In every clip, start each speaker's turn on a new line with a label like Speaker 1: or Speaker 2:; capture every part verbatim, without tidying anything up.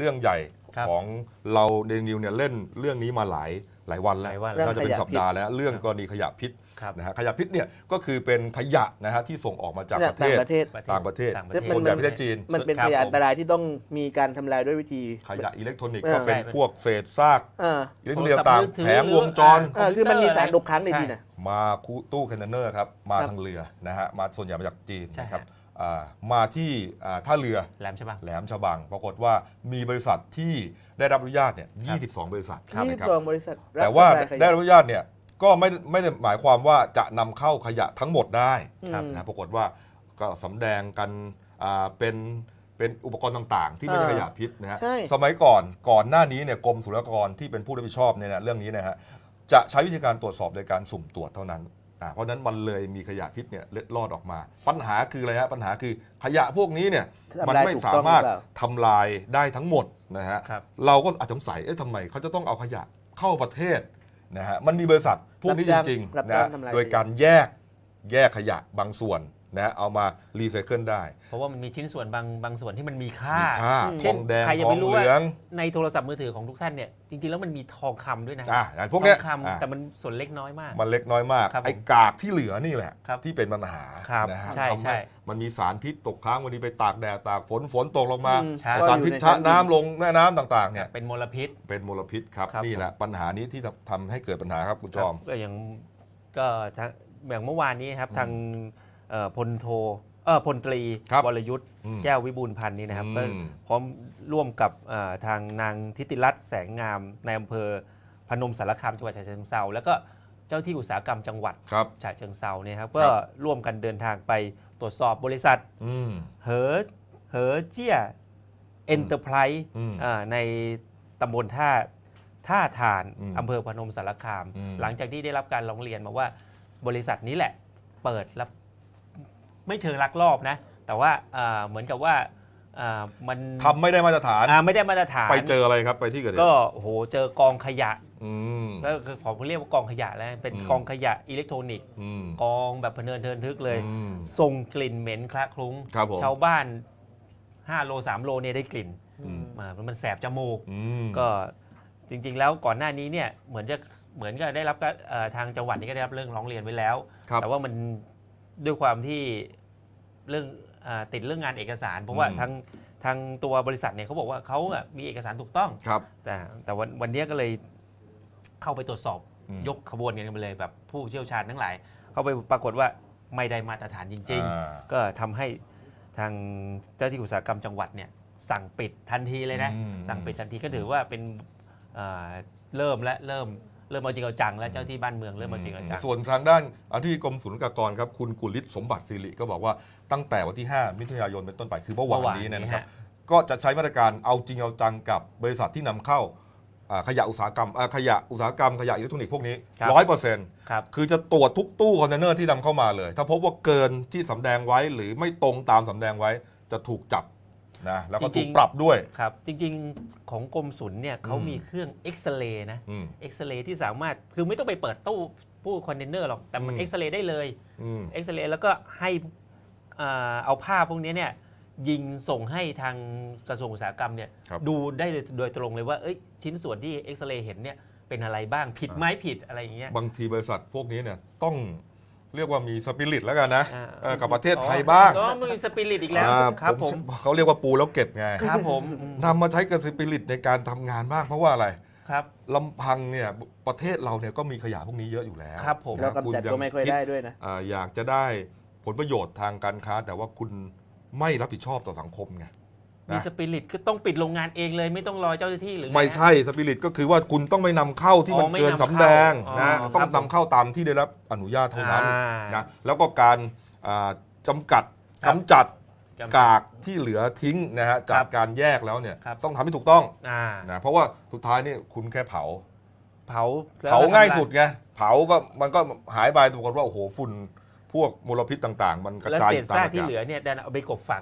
Speaker 1: รื่องใหญ่ของเราเดนิวเนี่ยเล่นเรื่องนี้มาหลายหลายวันแล้วน่าจะเป็นสัปดาห์แล้วเรื่องกรณีขยะพิษนะฮะขยะพิษเนี่ยก็คือเป็นขยะนะฮะที่ส่งออกมาจากประเทศต่างประเทศส่วนใหญ่ประเทศจีน
Speaker 2: มันเป็นขยะอันตรายที่ต้องมีการทำลายด้วยวิธี
Speaker 1: ขยะอิเล็กทรอนิกส์ก็เป็นพวกเศษซากอิเล็กทรอนิกส์ต่างแผงวงจร
Speaker 2: คือมันมีสารตกค้างในดินนะ
Speaker 1: มาตู้คอนเทนเนอร์ครับมาทางเรือนะฮะมาส่วนใหญ่มาจากจีนนะครับมาที่ท่าเรือ
Speaker 3: แหลมฉบัง
Speaker 1: แหลมฉบังปรากฏว่ามีบริษัทที่ได้รับอนุญาตเนี่ยยี่สิบสองบริษัท
Speaker 2: ยี่สิบสองบริษัท
Speaker 1: แต่ว่าได้รับอนุญาตเนี่ยก็ไม่ไม่ได้หมายความว่าจะนำเข้าขยะทั้งหมดได้นะปรากฏว่าก็สำแดงกันเป็นเป็นอุปกรณ์ต่างๆที่ไม่ใช่ขยะพิษนะฮะสมัยก่อนก่อนหน้านี้เนี่ยกรมศุลกากรที่เป็นผู้รับผิดชอบเนี่ยเรื่องนี้นะฮะจะใช้วิธีการตรวจสอบโดยการสุ่มตรวจเท่านั้นเพราะนั้นมันเลยมีขยะพิษเนี่ยเล็ดลอดออกมาปัญหาคืออะไรฮะปัญหาคือขยะพวกนี้เนี่ยมันไม่สามารถทำลายได้ทั้งหมดนะฮะเราก็อาจสงสัยเอ๊ะทำไมเขาจะต้องเอาขยะเข้าประเทศนะฮะมันมีบริษัทพวกนี้จริงๆนะโดยการแยกแยกขยะบางส่วนนะเอามารีไซเคิลได้
Speaker 3: เพราะว่ามันมีชิ้นส่วนบางบางส่วนที่มันมีค่า
Speaker 1: ทองแดงทองเหลือง
Speaker 3: ในโทรศัพท์มือถือของทุกท่านเนี่ยจริงๆแล้วมันมีทองคำด้วยนะ
Speaker 1: อ่าพวกเนี้ย
Speaker 3: แต่มันส่วนเล็กน้อยมาก
Speaker 1: มันเล็กน้อยมากไอ้กากที่เหลือนี่แหละที่เป็นปัญหานะฮะทำให้มันมีสารพิษตกค้างวันนี้ไปตากแดดตากฝนฝนตกลงมาสารพิษชะน้ำลงแม่น้ำต่างๆเนี่ย
Speaker 3: เป็นมลพิษ
Speaker 1: เป็นมลพิษครับนี่แหละปัญหานี้ที่ทำให้เกิดปัญหาครับคุณจอม
Speaker 3: ก็อย่างก็อย่างเมื่อวานนี้ครับทางพลโทเออพลตรีวรยุทธ์แก้ววิบูลย์พันธ์นี่นะครับก็พร้อมร่วมกับทางนางทิติรัตน์แสงงามในอำเภอพนมสารคามจังหวัดฉะเชิงเทราแล้วก็เจ้าที่อุตสาหกรรมจังหวัดฉะเชิงเทราเนี่ยครับก็ร่วมกันเดินทางไปตรวจสอบบริษัทเหอเหอเจี้ยเอ็นเตอร์ไพรส์ในตำบลท่าท่าทานอำเภอพนมสารคามหลังจากที่ได้รับการร้องเรียนมาว่าบริษัทนี้แหละเปิดรับไม่เชิงลักลอบนะแต่ว่าเหมือนกับว่ามัน
Speaker 1: ทำไม่ได้มาตรฐาน
Speaker 3: ไม่ได้มาตรฐาน
Speaker 1: ไปเจออะไรครับไปที่เกิดเหตุ
Speaker 3: ก็โหเจอกองขยะแล้วผมเรียกว่ากองขยะแล้วเป็นกองขยะอิเล็กทรอนิกส์กองแบบพเนินเทินทึกเลยส่งกลิ่นเหม็นคละคลุ้งชาวบ้านห้าโลสามโลเนี่ยได้กลิ่นมันแสบจมูกก็จริงๆแล้วก่อนหน้านี้เนี่ยเหมือนจะเหมือนกับได้รับทางจังหวัดนี้ก็ได้รับเรื่องร้องเรียนไว้แล้วแต่ว่ามันด้วยความที่เรื่องติดเรื่องงานเอกสารเพราะว่าทางทางตัวบริษัทเนี่ยเขาบอกว่าเขามีเอกสารถูกต้องแต่แต่วันวันนี้ก็เลยเข้าไปตรวจสอบยกขบวนกันไปเลยแบบผู้เชี่ยวชาญทั้งหลายเข้าไปปรากฏว่าไม่ได้มาตรฐานจริงๆก็ทำให้ทางเจ้าที่อุตสาหกรรมจังหวัดเนี่ยสั่งปิดทันทีเลยนะสั่งปิดทันทีก็ถือว่าเป็นเริ่มและเริ่มเริ่มเอาจริงเอาจังแล้วเจ้าที่บ้านเมืองเริ่มเอาจริงเอาจัง
Speaker 1: ส่วนทางด้านอธิบดีกรมศุลกากรครับคุณกุลิศสมบัติศิริก็บอกว่าตั้งแต่วันที่ห้ามิถุนายนเป็นต้นไปคือเมื่อวานนี้นะครับก็จะใช้มาตรการเอาจริงเอาจังกับบริษัทที่นำเข้าขยะอุตสาหกรรมขยะอุตสาหกรรมขยะอิเล็กทรอนิกส์พวกนี้ร้อยเปอร์เซ็นต์คือจะตรวจทุกตู้คอนเทนเนอร์ที่นำเข้ามาเลยถ้าพบว่าเกินที่สำแดงไว้หรือไม่ตรงตามสำแดงไว้จะถูกจับนะแล้วก็ถูกปรับด้วย
Speaker 3: ครับจริงๆของกรมศุลเนี่ยเขามีเครื่องเอ็กซเรย์นะเอ็กซเรย์ที่สามารถคือไม่ต้องไปเปิดตู้ตู้คอนเทนเนอร์หรอกแต่มันเอ็กซเรย์ได้เลยเอ็กซเรย์แล้วก็ให้เอาภาพพวกนี้เนี่ยยิงส่งให้ทางกระทรวงอุตสาหกรรมเนี่ยดูได้โดยตรงเลยว่าเอ้ยชิ้นส่วนที่เอ็กซเรย์เห็นเนี่ยเป็นอะไรบ้างผิดไหมผิดอะไรอย่างเงี้ย
Speaker 1: บางทีบริษัทพวกนี้เนี่ยต้องเรียกว่ามีสปิริตแล้วกันนะกับประเทศไทยบ้าง
Speaker 3: ก็มีสปิริตอีกแล้วครับผม
Speaker 1: เขาเรียกว่าปูแล้วเก็บไง
Speaker 3: ครับผม
Speaker 1: นำมาใช้กับสปิริตในการทำงานบ้างเพราะว่าอะไร
Speaker 3: ครับ
Speaker 1: ลำพังเนี่ยประเทศเราเนี่ยก็มีขยะพวกนี้เยอะอยู่แล้ว
Speaker 3: ครับผม
Speaker 2: แล้วกำจัดก็ไม่ค่อยได้ด้วยนะ
Speaker 1: อยากจะได้ผลประโยชน์ทางการค้าแต่ว่าคุณไม่รับผิดชอบต่อสังคมไง
Speaker 3: มีสปิริตก็ต้องปิดโรงงานเองเลยไม่ต้องรอเจ้าหน้าที่หรือ
Speaker 1: ไม่ใช่สปิริตก็คือว่าคุณต้องไม่นำเข้าที่มันเกินสำแดงนะต้องนำเข้าตามที่ได้รับอนุญาตเท่านั้นนะแล้วก็การจำกัดกำจัดกากที่เหลือทิ้งนะฮะจากการแยกแล้วเนี่ยต้องทำให้ถูกต้องนะเพราะว่าสุดท้ายนี่คุณแค่เผา
Speaker 3: เผา
Speaker 1: เผาง่ายสุดไงเผาก็มันก็หายไปปรากฏว่าโอ้โหฝุ่นพวกมลพิษต่างๆมันกระจาย
Speaker 3: แล้วเศษซากที่เหลือเนี่ยดันเอาไปกบฝัง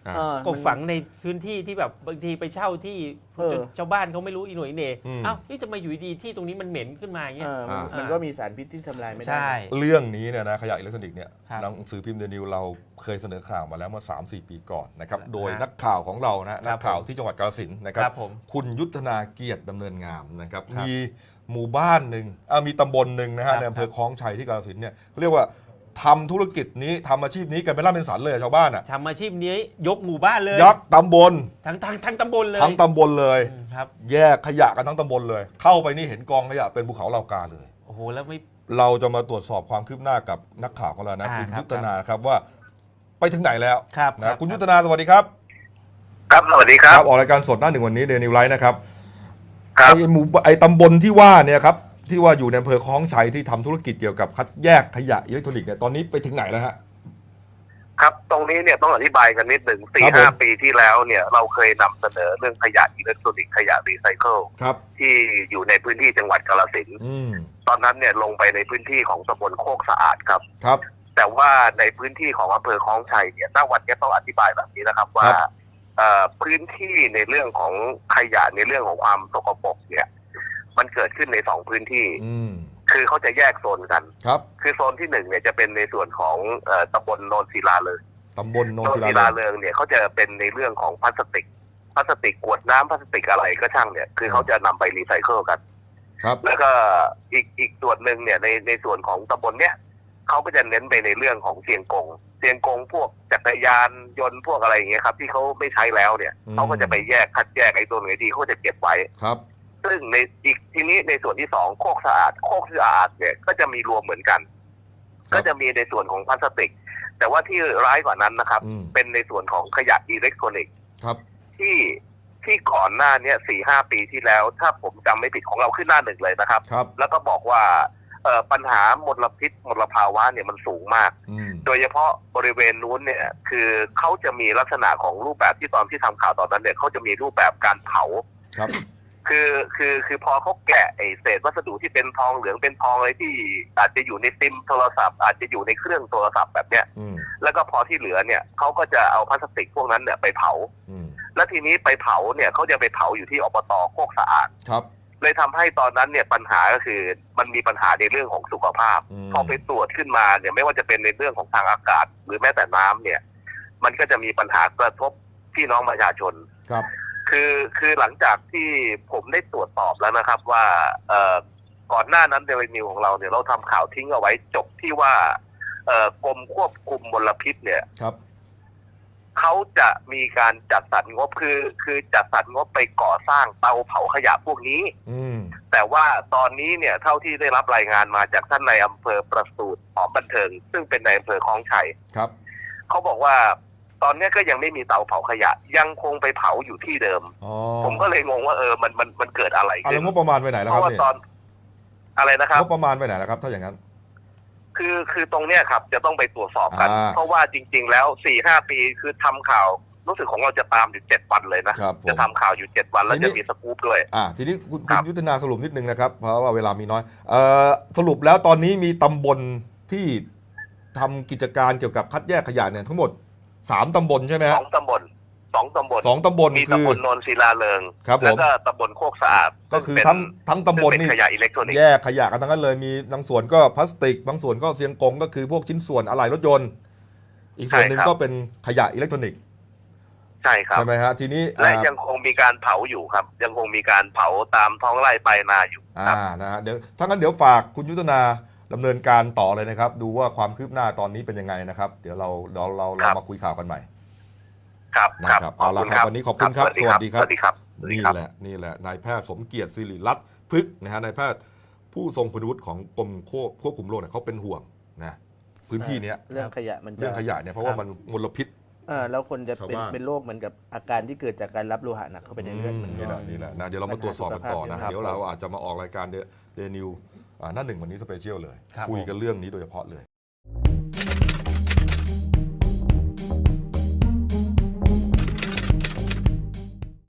Speaker 1: อ่า
Speaker 2: เออ
Speaker 3: ก็
Speaker 2: มัน
Speaker 3: ฝังในพื้นที่ที่แบบบางทีไปเช่าที่
Speaker 2: เออ
Speaker 3: ชาวบ้านเขาไม่รู้อีหน่วยอีเหน่
Speaker 1: อืม
Speaker 3: เอ้านี่จะมาอยู่ดีๆที่ตรงนี้มันเหม็นขึ้นมาอย่างเงี้
Speaker 2: เอย อมัน
Speaker 1: อ่ามั
Speaker 2: มันก็มีสารพิษที่ทำลายไม่ได้
Speaker 3: ใช่
Speaker 1: เรื่องนี้เนี่ยนะขยะอิเล็กทรอนิกส์เนี่ย
Speaker 3: ครับ
Speaker 1: หนังสือพิมพ์เดนิวเราเคยเสนอข่าวมาแล้วเมื่อ สามสี่ ปีก่อนนะครับ
Speaker 3: ครับ
Speaker 1: โดยนักข่าวของเรานะ
Speaker 3: ครั
Speaker 1: นั
Speaker 3: บ
Speaker 1: กข่าวที่จังหวัดกาฬสินธุ์นะครั
Speaker 3: ครับ บผม
Speaker 1: คุณยุทธนาเกียรติดำเนินงามนะครับ
Speaker 3: ครับ
Speaker 1: มีหมู่บ้านหนึ่งอ่ามีตำบลหนึ่งนะ
Speaker 3: ครั
Speaker 1: ฮะ
Speaker 3: บ
Speaker 1: ในอำเภอคลองชัยที่กาฬสินธุ์เนี่ยเรียกว่าทำธุรกิจนี้ทำอาชีพนี้กันเป็นร่ำเป็นสันเลยชาวบ้านอ่ะ
Speaker 3: ทำอาชีพนี้ยกหมู่บ้านเลย
Speaker 1: ยักษ์ตำบล
Speaker 3: ทั้งทั้งทั้งตำบลเลย
Speaker 1: ทั้งตำบลเลย
Speaker 3: อืมครับ
Speaker 1: แยกขยะกันทั้งตำบลเลย เข้าไปนี่เห็นกองขยะเป็นภูเขาเหล่ากาเลย
Speaker 3: โอ้โหแล้วไม่
Speaker 1: เราจะมาตรวจสอบความคืบหน้ากับนักข่าวของเรานะ
Speaker 3: อ่า
Speaker 1: คุณ
Speaker 3: ครับ
Speaker 1: ยุทธนาครับว่าไปถึงไหนแล้ว
Speaker 3: ครับครั
Speaker 1: นะ
Speaker 3: บ
Speaker 1: คุณยุทธนาสวัสดีครับ
Speaker 4: ครับสวัสดีครับ
Speaker 1: ออกรายการสดหน้าหนึ่งวันนี้เดนิวไลท์นะครับ
Speaker 4: ครับ
Speaker 1: ไอหมู่ไอตำบลที่ว่าเนี่ยครับที่ว่าอยู่ในอำเภอคลองชัยที่ทำธุรกิจเกี่ยวกับคัดแยกขยะอิเล็กทรอนิกส์เนี่ยตอนนี้ไปถึงไหนแล้วฮะ
Speaker 4: ครับตรงนี้เนี่ยต้องอธิบายกันนิดหนึ่งสี่
Speaker 1: ครับ
Speaker 4: ห้า
Speaker 1: ผม
Speaker 4: ปีที่แล้วเนี่ยเราเคยนำเสนอเรื่องขยะอิเล็กทรอนิกส์ขยะรีไซเคิล
Speaker 1: ครับ
Speaker 4: ที่อยู่ในพื้นที่จังหวัดกาฬสินธุ์
Speaker 1: อืม
Speaker 4: ตอนนั้นเนี่ยลงไปในพื้นที่ของตำบลโคกสะอาดครับ
Speaker 1: ครับ
Speaker 4: แต่ว่าในพื้นที่ของอำเภอคลองชัยเนี่ยณวันนี้ต้องอธิบายแบบนี้นะครับว่า
Speaker 1: ครับ
Speaker 4: เอ่อพื้นที่ในเรื่องของขยะในเรื่องของความสกปรกเนี่ยมันเกิดขึ้นในสองพื้นที่
Speaker 1: อืม
Speaker 4: คือเขาจะแยกโซนกัน
Speaker 1: ครับ
Speaker 4: คือโซนที่หนึ่งเนี่ยจะเป็นในส่วนของเอ่อตำบลโนนศิลาเลย
Speaker 1: ตำบลโน
Speaker 4: โน
Speaker 1: น
Speaker 4: น
Speaker 1: ศิ
Speaker 4: ศิ
Speaker 1: ลา
Speaker 4: ลา
Speaker 1: เลย
Speaker 4: เริงเนี่ยเขาจะเป็นในเรื่องของพลาสติกพลาสติกขวดน้ำพลาสติกอะไรก็ช่างเนี่ยคือเขาจะนำไปรีไซเคิลกัน
Speaker 1: ครับ
Speaker 4: แล้วก็อีกอีกส่วนหนึ่งเนี่ยในในส่วนของตำบลเนี่ยเขาก็จะเน้นไปในเรื่องของเสียงกงเสียงกงพวกจักรยานยนต์พวกอะไรอย่างเงี้ยครับที่เขาไม่ใช้แล้วเนี่ยเขาก็จะไปแยกคัดแยกไอ้ตัวไหนดีเขาจะเก็บไว้
Speaker 1: ครับ
Speaker 4: ซึ่งในอีกทีนี้ในส่วนที่สองโคกสะอาดโคกสะอาดเนี่ยก็จะมีรวมเหมือนกัน ก็จะมีในส่วนของพลาสติก แต่ว่าที่ร้ายกว่านั้นนะครับ
Speaker 1: อืม
Speaker 4: เป็นในส่วนของขยะอิเล็กทรอนิกส์
Speaker 1: ครับ
Speaker 4: ที่ที่ก่อนหน้าเนี้สี่ห้าปีที่แล้ว ถ้าผมจำไม่ผิดของเราขึ้นหน้าหนึ่งเลยนะครับ
Speaker 1: ครับ
Speaker 4: แล้วก็บอกว่าเอ่อปัญหามลพิษมลภาวะเนี่ยมันสูงมาก
Speaker 1: อืม
Speaker 4: โดยเฉพาะบริเวณนู้นเนี่ยคือเขาจะมีลักษณะของรูปแบบที่ตอนที่ทำข่าวตอนนั้นเนี่ยเขาจะมีรูปแบบการเผา
Speaker 1: ครับ
Speaker 4: คือคือคือพอเขาแกะไอเศษวัสดุที่เป็นทองเหลืองเป็นทองอะไรที่อาจจะอยู่ในซิมโทรศัพท์อาจจะอยู่ในเครื่องโทรศัพท์แบบเนี้ย
Speaker 1: อืม
Speaker 4: แล้วก็พอที่เหลือเนี่ยเขาก็จะเอาพลาสติกพวกนั้นเนี่ยไปเผา
Speaker 1: อืม
Speaker 4: แล้วทีนี้ไปเผาเนี่ยเขาจะไปเผาอยู่ที่อบตโคกสะอาด
Speaker 1: ครับ
Speaker 4: เลยทำให้ตอนนั้นเนี่ยปัญหาก็คือมันมีปัญหาในเรื่องของสุขภาพ
Speaker 1: อืม
Speaker 4: พอไปตรวจขึ้นมาเนี่ยไม่ว่าจะเป็นในเรื่องของทางอากาศ หรือแม้แต่น้ำเนี่ยมันก็จะมีปัญหากระทบพี่น้องประชาชน
Speaker 1: ครับ
Speaker 4: คือคือหลังจากที่ผมได้ตรวจสอบแล้วนะครับว่าเอ่อก่อนหน้านั้นเดลินิวของเราเนี่ยเราทำข่าวทิ้งเอาไว้จบที่ว่าเอ่อกรมควบคุมมลพิษเนี่ย
Speaker 1: ครับ
Speaker 4: เขาจะมีการจัดสรรงบคือคือจัดสรรงบไปก่อสร้างเตาเผาขยะพวกนี้
Speaker 1: อืม
Speaker 4: แต่ว่าตอนนี้เนี่ยเท่าที่ได้รับรายงานมาจากท่านในายอำเภอประสูติหอมบันเทิง ซึ่งเป็นในายอำเภอคลองชัย
Speaker 1: ครับ
Speaker 4: เขาบอกว่าตอนนี้ก็ยังไม่มีเตาเผาขยะ ยังคงไปเผาอยู่ที่เดิม
Speaker 1: อ๋อ
Speaker 4: ผมก็เลยงงว่าเออมันมันมันเกิดอะไร
Speaker 1: อ่ะ
Speaker 4: ขึ้
Speaker 1: แล้ว
Speaker 4: น
Speaker 1: งบประมาณไปไหนแล้ว
Speaker 4: เพ
Speaker 1: ครับ
Speaker 4: ราะว่า
Speaker 1: เนี่ย
Speaker 4: ตอนอะไรนะครับ
Speaker 1: งบประมาณไปไหนแล้วครับ ถ้าอย่างนั้น
Speaker 4: คือคือตรงเนี้ยครับจะต้องไปตรวจสอบกัน
Speaker 1: อ่า
Speaker 4: เพราะว่าจริง ๆ แล้วสี่ห้าปีคือทำข่าวรู้สึกของเราจะตามอยู่เจ็ดวันเลยนะครับ
Speaker 1: ผม
Speaker 4: จะทำข่าวอยู่เจ็ดวันแล้ว
Speaker 1: ทีนี้
Speaker 4: จะมีสกู๊ปด้วย
Speaker 1: อ่าทีนี้คุณ
Speaker 4: ครั
Speaker 1: คุณ
Speaker 4: บ
Speaker 1: ยุทธนาสรุปนิดนึงนะครับ เพราะว่าเวลามีน้อยเอ่อสรุปแล้วตอนนี้มีตำบลที่ทำกิจการเกี่ยวกับคัดแยกขยะเนี่ยทั้งหมดสามตำบลใช่ไหม
Speaker 4: ส
Speaker 1: ฮะ
Speaker 4: องตำบลสองตำบล
Speaker 1: สองตำบล
Speaker 4: มี
Speaker 1: คือ
Speaker 4: ตำบลโนนศิลาเริง
Speaker 1: ครับผม
Speaker 4: แล้วก็ตำบลโคกสะอาด
Speaker 1: ก็คือ
Speaker 4: เป็น
Speaker 1: ทั้งทั้งตำบล
Speaker 4: ซึ่งเป็น
Speaker 1: นี่
Speaker 4: ขยะอิเล็กทรอนิกส์
Speaker 1: แยกขยะกันทั้งนั้นเลยมีบางส่วนก็พลาสติก บางส่วนก็เสียงกงก็คือพวกชิ้นส่วนอะไหล่รถยนต์ อีกส่วนหนึ่ง
Speaker 4: ใช่ครับ
Speaker 1: ก็เป็นขยะอิเล็กทรอนิกส์
Speaker 4: ใช่ครับ
Speaker 1: ใช่ไหมฮะทีนี้
Speaker 4: และ
Speaker 1: อ่า
Speaker 4: ยังคงมีการเผาอยู่ครับ ยังคงมีการเผาตามท้องไร่ไปนาอยู่ค
Speaker 1: อ่า
Speaker 4: รับ
Speaker 1: นะฮะเดี๋ยวถ้างั้นเดี๋ยวฝากคุณยุทธนาดำเนินการต่อเลยนะครับ ดูว่าความคืบหน้าตอนนี้เป็นยังไงนะครับ เดี๋ยวเราเราเราเรามาคุยข่าวกันใหม่
Speaker 4: ครับ
Speaker 1: นะครับเอาละครับวันนี้ขอบคุณครับ
Speaker 4: สวัสดีครับ
Speaker 1: สวัสดีครับ
Speaker 4: สวัสดี
Speaker 1: นี่
Speaker 4: ครับ
Speaker 1: แหละนี่แหละนายแพทย์สมเกียรติสิริรัตน์พฤกษ์นะฮะนายแพทย์ผู้ทรงคุณวุฒิของกรมควบคุมโรคเนี่ยเขาเป็นห่วงนะพื้นที่เนี้ย
Speaker 2: เรื่องขยะมันจะ
Speaker 1: เรื่องขยะเนี่ยเพราะว่ามันมลพิษ
Speaker 2: เออแล้วคนจะเป็น
Speaker 1: ชาวบ้าน
Speaker 2: เป็นโรคเหมือนกับอาการที่เกิดจากการรับโลหะหนักเข้าไปในเลือดมัน
Speaker 1: นี่แหละนี่แหละนะเดี๋ยวเรามาตรวจสอบกันต่อนะ
Speaker 2: ปัญหาสุขภาพ
Speaker 1: เดี๋ยวเราอาจจะมาออกรายการเดนิวหน้าหนึ่งวันนี้สเปเชียลเลย
Speaker 3: ครับ
Speaker 1: คุยกันเรื่องนี้โดยเฉพาะเลย